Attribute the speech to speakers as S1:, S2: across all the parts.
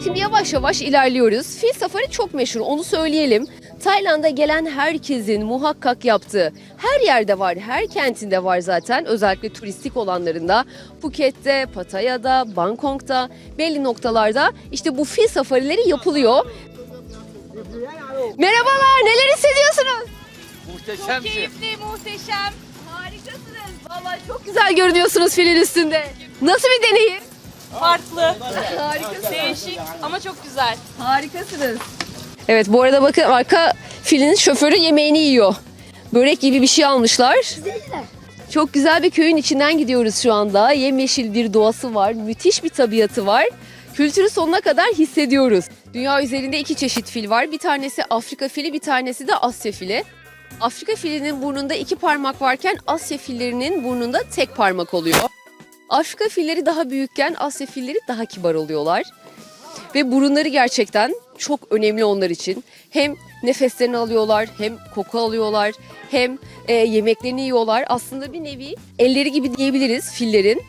S1: Şimdi yavaş yavaş ilerliyoruz. Fil safari çok meşhur, onu söyleyelim. Tayland'a gelen herkesin muhakkak yaptığı, her yerde var, her kentinde var zaten. Özellikle turistik olanlarında, Phuket'te, Pattaya'da, Bangkok'ta, belli noktalarda işte bu fil safarileri yapılıyor. Merhabalar, neler hissediyorsunuz?
S2: Muhteşemsin.
S3: Keyifli, muhteşem.
S1: Harikasınız. Vallahi çok güzel görünüyorsunuz filin üstünde. Nasıl bir deneyim?
S3: Farklı,
S1: Harikasınız.
S3: değişik ama çok güzel.
S1: Harikasınız. Evet, bu arada bakın arka filin şoförü yemeğini yiyor. Börek gibi bir şey almışlar. Çok güzel bir köyün içinden gidiyoruz şu anda. Yemyeşil bir doğası var, müthiş bir tabiatı var. Kültürü sonuna kadar hissediyoruz. Dünya üzerinde 2 çeşit fil var. Bir tanesi Afrika fili, bir tanesi de Asya fili. Afrika filinin burnunda 2 parmak varken Asya fillerinin burnunda tek parmak oluyor. Afrika filleri daha büyükken Asya filleri daha kibar oluyorlar. Ve burunları gerçekten çok önemli onlar için. Hem nefeslerini alıyorlar, hem koku alıyorlar, hem yemeklerini yiyorlar. Aslında bir nevi elleri gibi diyebiliriz fillerin.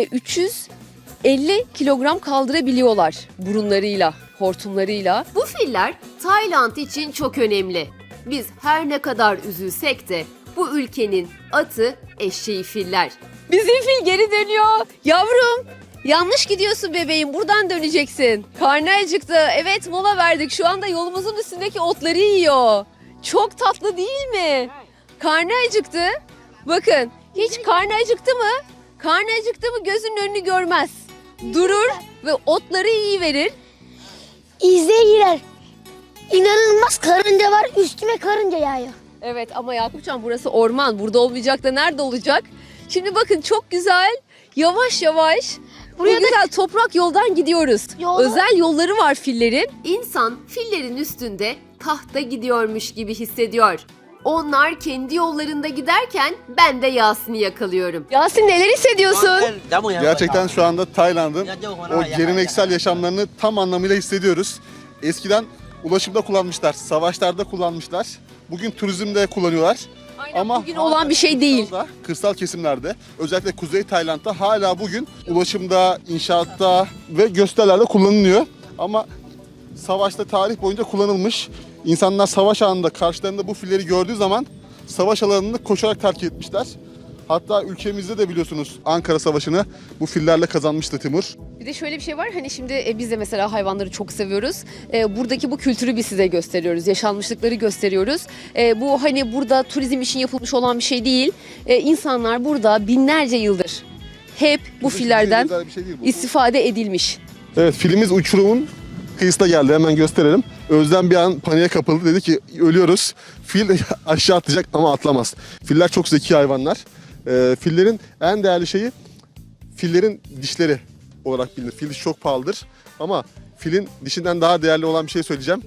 S1: 350 kilogram kaldırabiliyorlar burunlarıyla, hortumlarıyla. Bu filler Tayland için çok önemli. Biz her ne kadar üzülsek de bu ülkenin atı eşeği filler. Bizim fil geri dönüyor. Yavrum, yanlış gidiyorsun bebeğim, buradan döneceksin. Karnı acıktı. Evet, mola verdik. Şu anda yolumuzun üstündeki otları yiyor. Çok tatlı değil mi? Karnı acıktı. Bakın, hiç karnı acıktı mı? Karnı acıktı mı gözünün önünü görmez. Durur ve otları yiyiverir.
S4: İzle girer. İnanılmaz karınca var, üstüme karınca yağıyor.
S1: Evet ama Yakupcan, burası orman. Burada olmayacak da nerede olacak? Şimdi bakın, çok güzel, yavaş yavaş buraya güzel toprak yoldan gidiyoruz. Özel yolları var fillerin. İnsan fillerin üstünde tahta gidiyormuş gibi hissediyor. Onlar kendi yollarında giderken ben de Yasin'i yakalıyorum. Yasin, neler hissediyorsun?
S5: Gerçekten şu anda Tayland'ın o geleneksel yaşamlarını tam anlamıyla hissediyoruz. Eskiden ulaşımda kullanmışlar, savaşlarda kullanmışlar. Bugün turizmde kullanıyorlar.
S1: Aynen,
S5: Ama
S1: bugün olan bir şey değil.
S5: Kırsal kesimlerde, özellikle Kuzey Tayland'da hala bugün ulaşımda, inşaatta ve gösterilerde kullanılıyor. Ama savaşta tarih boyunca kullanılmış. İnsanlar savaş anında karşılarında bu filleri gördüğü zaman savaş alanını koşarak terk etmişler. Hatta ülkemizde de biliyorsunuz Ankara Savaşı'nı bu fillerle kazanmıştı Timur.
S1: Bir de şöyle bir şey var, hani şimdi biz de mesela hayvanları çok seviyoruz. Buradaki bu kültürü biz size gösteriyoruz, yaşanmışlıkları gösteriyoruz. Bu hani burada turizm için yapılmış olan bir şey değil. İnsanlar burada binlerce yıldır hep bu fillerden
S5: Özel bir şey değil bu.
S1: istifade edilmiş.
S5: Evet, filimiz uçurumun kıyısına geldi, hemen gösterelim. Özlem bir an paniğe kapıldı, dedi ki ölüyoruz. Fil aşağı atlayacak ama atlamaz. Filler çok zeki hayvanlar. Fillerin en değerli şeyi fillerin dişleri olarak bilinir. Fil dişi çok pahalıdır ama filin dişinden daha değerli olan bir şey söyleyeceğim.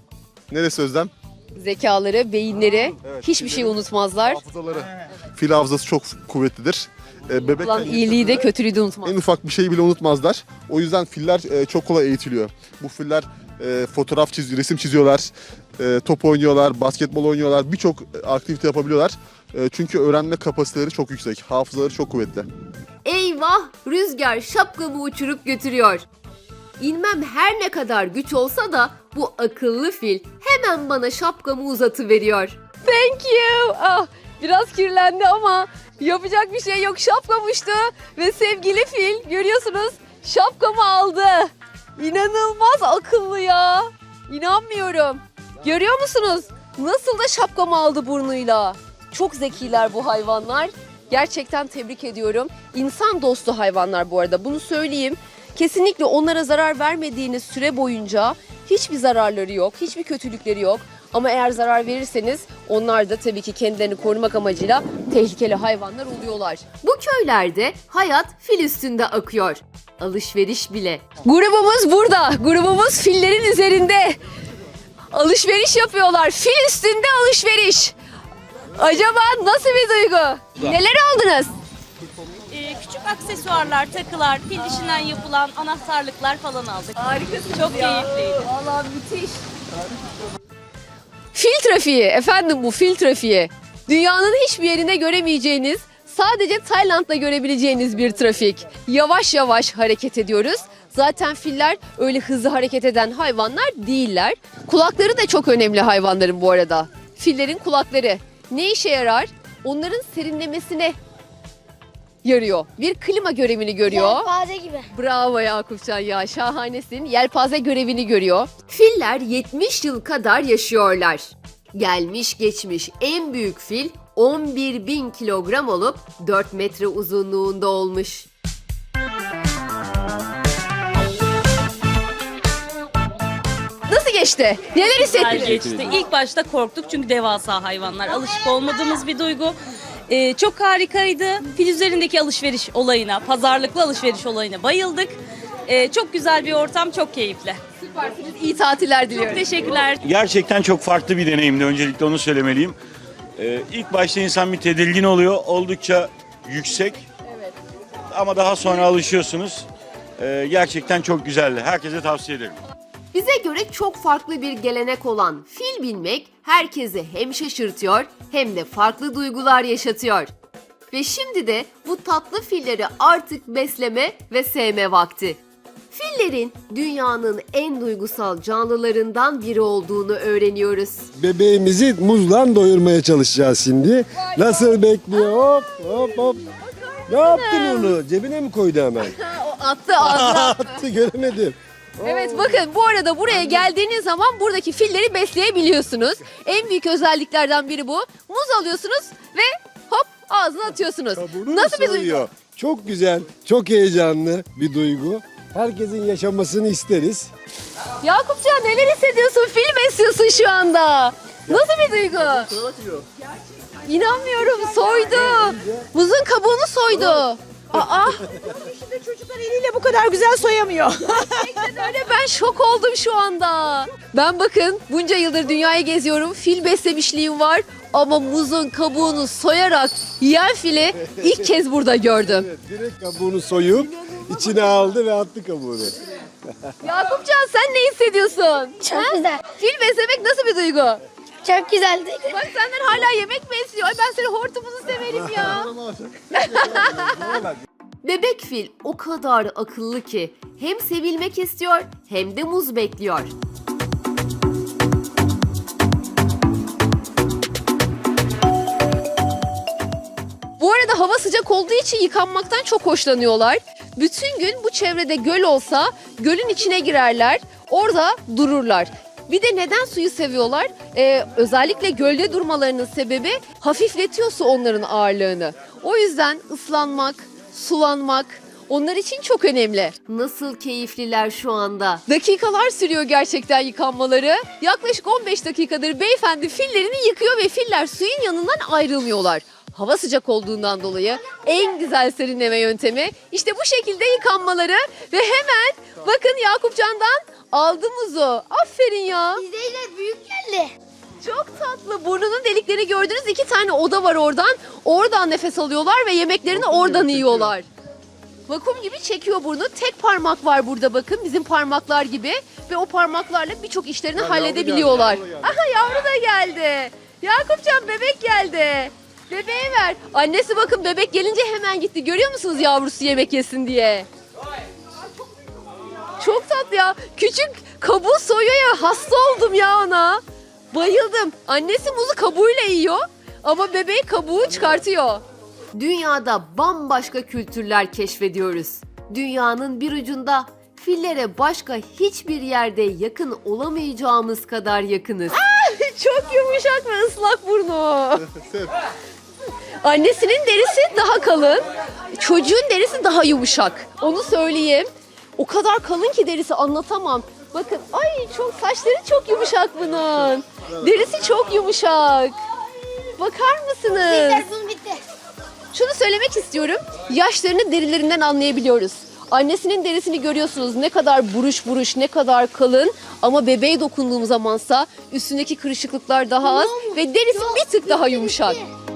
S5: Neresi Özlem?
S1: Zekaları, beyinleri,
S5: Evet,
S1: hiçbir şey
S5: fillerin
S1: unutmazlar.
S5: Hafızaları. Fil hafızası çok kuvvetlidir. Bebekken
S1: Olan iyiliği de kötülüğü de unutmaz.
S5: en ufak bir şeyi bile unutmazlar. O yüzden filler çok kolay eğitiliyor. Bu filler fotoğraf çiziyor, resim çiziyorlar, top oynuyorlar, basketbol oynuyorlar, birçok aktivite yapabiliyorlar. Çünkü öğrenme kapasiteleri çok yüksek, hafızaları çok kuvvetli.
S1: Eyvah! Rüzgar şapkamı uçurup götürüyor. İnmem her ne kadar güç olsa da bu akıllı fil hemen bana şapkamı uzatıveriyor. Thank you. Ah, biraz kirlendi ama yapacak bir şey yok. Şapkam uçtu ve sevgili fil, görüyorsunuz, şapkamı aldı. İnanılmaz akıllı ya. İnanmıyorum. Görüyor musunuz? Nasıl da şapkamı aldı burnuyla. Çok zekiler bu hayvanlar. Gerçekten tebrik ediyorum. İnsan dostu hayvanlar bu arada, bunu söyleyeyim. Kesinlikle onlara zarar vermediğiniz süre boyunca hiçbir zararları yok, hiçbir kötülükleri yok. Ama eğer zarar verirseniz onlar da tabii ki kendilerini korumak amacıyla tehlikeli hayvanlar oluyorlar. Bu köylerde hayat fil üstünde akıyor. Alışveriş bile. Grubumuz burada. Grubumuz fillerin üzerinde. Alışveriş yapıyorlar. Fil üstünde alışveriş. Acaba nasıl bir duygu? Neler aldınız?
S3: Küçük aksesuarlar, takılar, fil dişinden yapılan anahtarlıklar falan aldık.
S1: Harikasınız
S3: Çok keyifliydi.
S1: Vallahi müthiş. Fil trafiği efendim, bu fil trafiği. Dünyanın hiçbir yerinde göremeyeceğiniz, sadece Tayland'da görebileceğiniz bir trafik. Yavaş yavaş hareket ediyoruz. Zaten filler öyle hızlı hareket eden hayvanlar değiller. Kulakları da çok önemli hayvanların bu arada. Fillerin kulakları ne işe yarar? Onların serinlemesine yarıyor. Bir klima görevini görüyor.
S4: Yelpaze gibi.
S1: Bravo Yakupcan ya, şahanesin. Yelpaze görevini görüyor. Filler 70 yıl kadar yaşıyorlar. Gelmiş geçmiş en büyük fil 11.000 kilogram olup 4 metre uzunluğunda olmuş. Nasıl geçti? Neler
S3: Güzel
S1: hissettiniz?
S3: geçti. İlk başta korktuk çünkü devasa hayvanlar. Alışık olmadığımız bir duygu. Çok harikaydı. Fil üzerindeki alışveriş olayına, pazarlıklı alışveriş olayına bayıldık. Çok güzel bir ortam, çok keyifli.
S1: Süpersiniz. İyi tatiller diliyorum.
S3: Çok teşekkürler.
S2: Gerçekten çok farklı bir deneyimdi. Öncelikle onu söylemeliyim. İlk başta insan bir tedirgin oluyor. Oldukça yüksek.
S1: Evet.
S2: Ama daha sonra alışıyorsunuz. Gerçekten çok güzeldi. Herkese tavsiye ederim.
S1: Bize göre çok farklı bir gelenek olan fil binmek herkesi hem şaşırtıyor hem de farklı duygular yaşatıyor. Ve şimdi de bu tatlı filleri artık besleme ve sevme vakti. Fillerin dünyanın en duygusal canlılarından biri olduğunu öğreniyoruz.
S6: Bebeğimizi muzla doyurmaya çalışacağız şimdi. Nasıl bekliyor? Hop hop hop. Ne yaptın onu? Cebine mi koydu hemen?
S1: O attı ağzına.
S6: Attı göremedim.
S1: Evet, bakın bu arada buraya geldiğiniz zaman buradaki filleri besleyebiliyorsunuz. En büyük özelliklerden biri bu. Muz alıyorsunuz ve hop ağzına atıyorsunuz.
S6: Kabuğunu
S1: Nasıl bir duygu?
S6: soyuyor. Çok güzel, çok heyecanlı bir duygu. Herkesin yaşamasını isteriz.
S1: Yakupcan, neler hissediyorsun? Fil besliyorsun şu anda. Nasıl bir duygu? İnanmıyorum, soydu. Muzun kabuğunu soydu. Aa,
S7: Çocuklar eliyle bu kadar güzel soyamıyor.
S1: öyle, ben şok oldum şu anda. Ben bakın bunca yıldır dünyayı geziyorum. Fil beslemişliğim var. Ama muzun kabuğunu soyarak yiyen fili ilk kez burada gördüm.
S6: Evet, direkt kabuğunu soyup içine aldı ve attı kabuğunu.
S1: Yakupcan, sen ne hissediyorsun?
S4: Çok güzel.
S1: Fil beslemek nasıl bir duygu?
S4: Çok güzeldi.
S1: Bak, senden hala yemek mi istiyor? Ay, ben seni hortumunu severim ya. Bebek fil o kadar akıllı ki hem sevilmek istiyor hem de muz bekliyor. Bu arada hava sıcak olduğu için yıkanmaktan çok hoşlanıyorlar. Bütün gün bu çevrede göl olsa gölün içine girerler, orada dururlar. Bir de neden suyu seviyorlar? Özellikle gölde durmalarının sebebi hafifletiyor su onların ağırlığını. O yüzden ıslanmak, sulanmak onlar için çok önemli. Nasıl keyifliler şu anda. Dakikalar sürüyor gerçekten yıkanmaları. Yaklaşık 15 dakikadır beyefendi fillerini yıkıyor ve filler suyun yanından ayrılmıyorlar. Hava sıcak olduğundan dolayı en güzel serinleme yöntemi işte bu şekilde yıkanmaları ve hemen bakın Yakupcan'dan aldı muzu. Aferin ya.
S4: İzleyiciler büyük geldi.
S1: Çok tatlı. Burnunun deliklerini gördünüz. 2 tane oda var oradan. Oradan nefes alıyorlar ve yemeklerini oradan yiyorlar. Vakum gibi çekiyor burnu. Tek parmak var burada bakın. Bizim parmaklar gibi. Ve o parmaklarla birçok işlerini halledebiliyorlar.
S6: yavru geldi.
S1: Aha, yavru da geldi. Yakupcan, bebek geldi. Bebeğe ver. Annesi bakın bebek gelince hemen gitti. Görüyor musunuz yavrusu yemek yesin diye? Çok tatlı ya. Küçük kabuğu soyuyor ya. Hasta oldum ya ona. Bayıldım. Annesi muzu kabuğuyla yiyor ama bebeği kabuğu çıkartıyor. Dünyada bambaşka kültürler keşfediyoruz. Dünyanın bir ucunda fillere başka hiçbir yerde yakın olamayacağımız kadar yakınız. Çok yumuşak ve ıslak burnu. Annesinin derisi daha kalın, çocuğun derisi daha yumuşak. Onu söyleyeyim. O kadar kalın ki derisi, anlatamam. Bakın, ay çok, saçları çok yumuşak bunun. Derisi çok yumuşak. Bakar mısınız?
S4: Telefon bitti.
S1: Şunu söylemek istiyorum. Yaşlarını derilerinden anlayabiliyoruz. Annesinin derisini görüyorsunuz, ne kadar buruş buruş, ne kadar kalın. Ama bebeğe dokunduğum zamansa üstündeki kırışıklıklar daha az ve derisi bir tık daha yumuşak.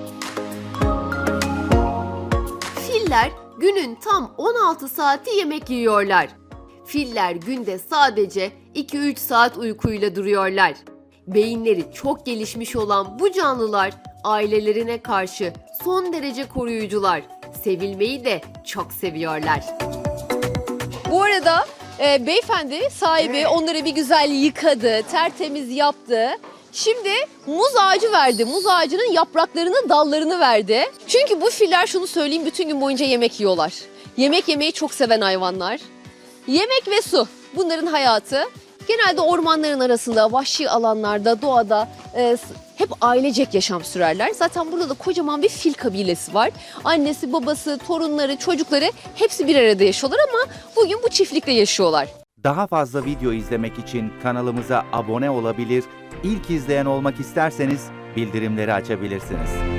S1: Filler günün tam 16 saati yemek yiyorlar. Filler günde sadece 2-3 saat uykuyla duruyorlar. Beyinleri çok gelişmiş olan bu canlılar ailelerine karşı son derece koruyucular. Sevilmeyi de çok seviyorlar. Bu arada Beyefendi sahibi onları bir güzel yıkadı, tertemiz yaptı. Şimdi muz ağacı verdi. Muz ağacının yapraklarını, dallarını verdi. Çünkü bu filler, şunu söyleyeyim, bütün gün boyunca yemek yiyorlar. Yemek yemeyi çok seven hayvanlar. Yemek ve su, bunların hayatı. Genelde ormanların arasında, vahşi alanlarda, doğada hep ailecek yaşam sürerler. Zaten burada da kocaman bir fil kabilesi var. Annesi, babası, torunları, çocukları hepsi bir arada yaşıyorlar ama bugün bu çiftlikte yaşıyorlar.
S8: Daha fazla video izlemek için kanalımıza abone olabilir, ilk izleyen olmak isterseniz bildirimleri açabilirsiniz.